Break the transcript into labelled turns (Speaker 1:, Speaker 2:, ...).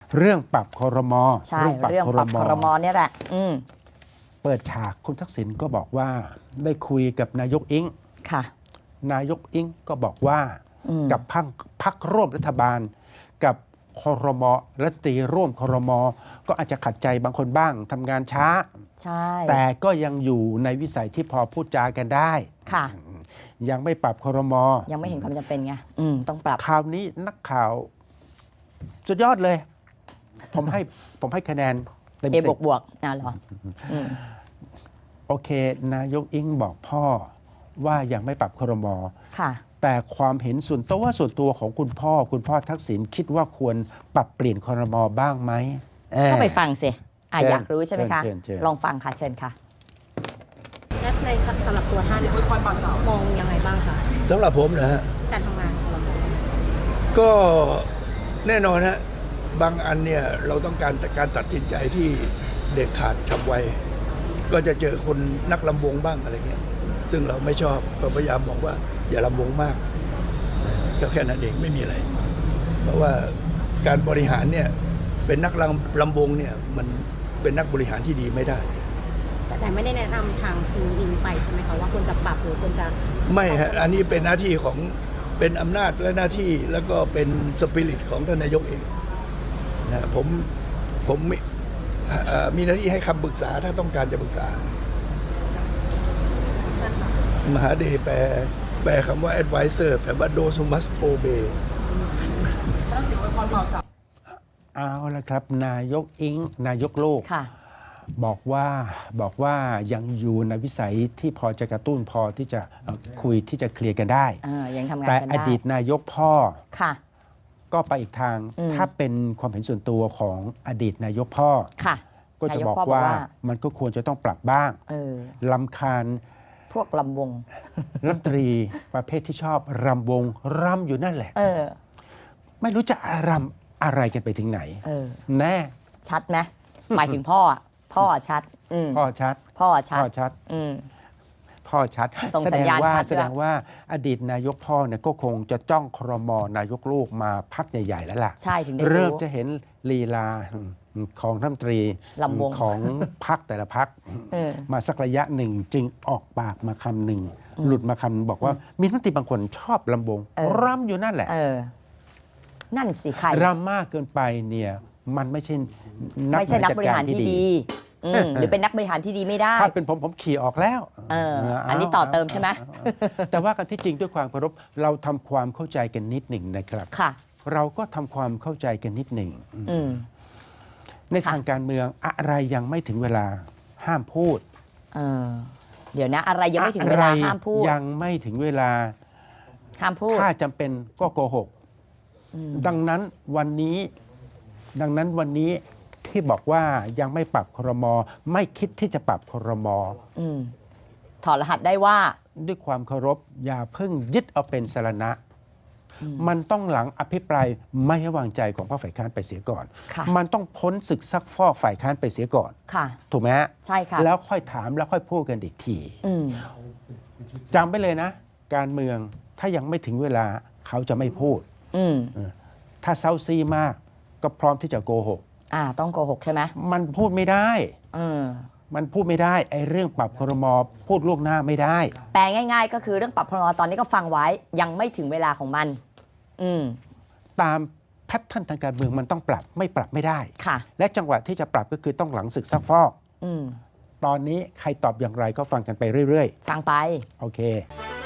Speaker 1: เรื่องปรับครม.
Speaker 2: ใช่เรื่องปรับครม.เนี่ยแหละ
Speaker 1: เปิดฉากคุณทักษิณก็บอกว่าได้คุยกับนายกอิง
Speaker 2: ค่ะ
Speaker 1: นายกอิงก็บอกว่ากับพรรคร่วมรัฐบาลกับครม.รัฐมนตรีร่วมครม.ก็อาจจะขัดใจบางคนบ้างทำงานช้า
Speaker 2: ใช่
Speaker 1: แต่ก็ยังอยู่ในวิสัยที่พอพูดจากันได้
Speaker 2: ค่ะ
Speaker 1: ยังไม่ปรับครม.
Speaker 2: ยังไม่เห็นความจำเป็นไงต้องปรับ
Speaker 1: คราวนี้นักข่าวสุดยอดเลย ผมให้คะแนนเต็ม10
Speaker 2: บวกเหรอ
Speaker 1: โอเคนายกอิงบอกพ่อว่ายังไม่ปรับครม.
Speaker 2: ค่ะ
Speaker 1: แต่ความเห็นส่วนตัวของคุณพ่อทักษิณคิดว่าควรปรับเปลี่ยนครม.บ้างไหม
Speaker 2: ก็ไปฟังสิอยากรู้ใช่ไหมคะลองฟังค่ะเชิญค่ะ
Speaker 3: และในสำหรับตัวท่านมองยังไงบ้างคะ
Speaker 4: สำหรับผมนะฮะ
Speaker 3: การทำงานของเรา
Speaker 4: ก็แน่นอนฮะบางอันเนี่ยเราต้องการตัดสินใจที่เด็ดขาดฉับไวก็จะเจอคนนักลำวงบ้างอะไรเงี้ยซึ่งเราไม่ชอบก็พยายามบอกว่าอย่าลำวงมากก็แค่นั้นเองไม่มีอะไรเพราะว่าการบริหารเนี่ยเป็นนักลำวงเนี่ยมันเป็นนักบริหารที่ดีไม่ได้
Speaker 3: แต่ไม่ได้แนะนำทางคุณอิงไปใช่ไหมคะว่าควรจะปรับหรือควรจะ
Speaker 4: ไม่ฮะอันนี้เป็นหน้าที่ของเป็นอำนาจและหน้าที่แล้วก็เป็นสปิริตของท่านนายกเองนะผมมีหน้าที่ให้คำปรึกษาถ้าต้องการจะปรึกษามหาเดชแปลคำว่า advisor แปลว่า those who must obey
Speaker 1: เอาละครับนายกอิงนายกโลกบอกว่ายังอยู่ในวิสัยที่พอจะกระตุ้นพอที่จะคุยที่จะเคลียร์กันได้
Speaker 2: ยังทำงาน
Speaker 1: แต่
Speaker 2: กันได้
Speaker 1: อดีตนายกพ่อก็ไปอีกทางถ้าเป็นความเห็นส่วนตัวของอดีตนายกพ่อก็จะบอกว่ามันก็ควรจะต้องปรับบ้างรำคาญ
Speaker 2: พวกลำวง
Speaker 1: รัฐมนตรีประเภทที่ชอบรำวงรำอยู่นั่นแหละไม่รู้จะรำอะไรกันไปถึงไหนแน่
Speaker 2: ชัดไหมหมายถึงพ่อชัด
Speaker 1: พ่อชัด
Speaker 2: พ่อชัด
Speaker 1: แสดงว่าอดีตนายกพ่อเนี่ยก็คงจะจ้องครม.นายกลูกมาพักใหญ่ๆแล้วล่ะ
Speaker 2: ใช่ถึงได้
Speaker 1: เริ่มจะเห็นลีลาของรัฐมนตรีของพรรคแต่ละพรรคมาสักระยะหนึ่งจึงออกปากมาคำหนึ่งหลุดมาคำบอกว่ามีรัฐมนตรีบางคนชอบลำวงรำอยู่นั่นแหละ
Speaker 2: นั่นสิใคร
Speaker 1: รำมากเกินไปเนี่ยมันไม่ใช่
Speaker 2: นักบริหารที่ดีหรือเป็นนักบริหารที่ดีไม่ได้
Speaker 1: ถ้าเป็นผมขี่ออกแล้ว
Speaker 2: อันนี้ต่อเติมใช่ไหม
Speaker 1: แต่ว่ากันที่จริงด้วยความเคารพเราทำความเข้าใจกันนิดหนึ่งนะครับเราก็ทำความเข้าใจกันนิดหนึ่งในทางการเมืองอะไรยังไม่ถึงเวลาห้ามพูด
Speaker 2: เดี๋ยวนะอะไรยังไม่ถึงเวลาห้ามพูด
Speaker 1: ยังไม่ถึงเวลา
Speaker 2: ห้ามพูด
Speaker 1: ถ้าจำเป็นก็โกหกดังนั้นวันนี้ที่บอกว่ายังไม่ปรับครม.ไม่คิดที่จะปรับครม.
Speaker 2: ถอดรหัสได้ว่า
Speaker 1: ด้วยความเคารพอย่าเพิ่งยึดเอาเป็นสรณะมันต้องหลังอภิปรายไม่ไว้วางใจของพรรคฝ่ายค้านไปเสียก่อนมันต้องพ้นศึกซักฟอกฝ่ายค้านไปเสียก่อนถูกไหมฮะ
Speaker 2: ใช่ค่ะ
Speaker 1: แล้วค่อยถามแล้วค่อยพูดกันอีกทีจำไปเลยนะการเมืองถ้ายังไม่ถึงเวลาเขาจะไม่พูดถ้าเซาซีมากก็พร้อมที่จะโกหก
Speaker 2: ต้องโกหกใช่ไหม
Speaker 1: มันพูดไม่ได้มันพูดไม่ได้ไอ้เรื่องปรับครม.พูดล่วงหน้าไม่ได้
Speaker 2: แปลง่ายๆก็คือเรื่องปรับครม.ตอนนี้ก็ฟังไว้ยังไม่ถึงเวลาของมัน
Speaker 1: ตามแพทเทิร์นทางการเมืองมันต้องปรับไม่ปรับไม่ได้และจังหวะที่จะปรับก็คือต้องหลังศึกซักฟอกตอนนี้ใครตอบอย่างไรก็ฟังกันไปเรื่อย
Speaker 2: ๆฟังไป
Speaker 1: โอเค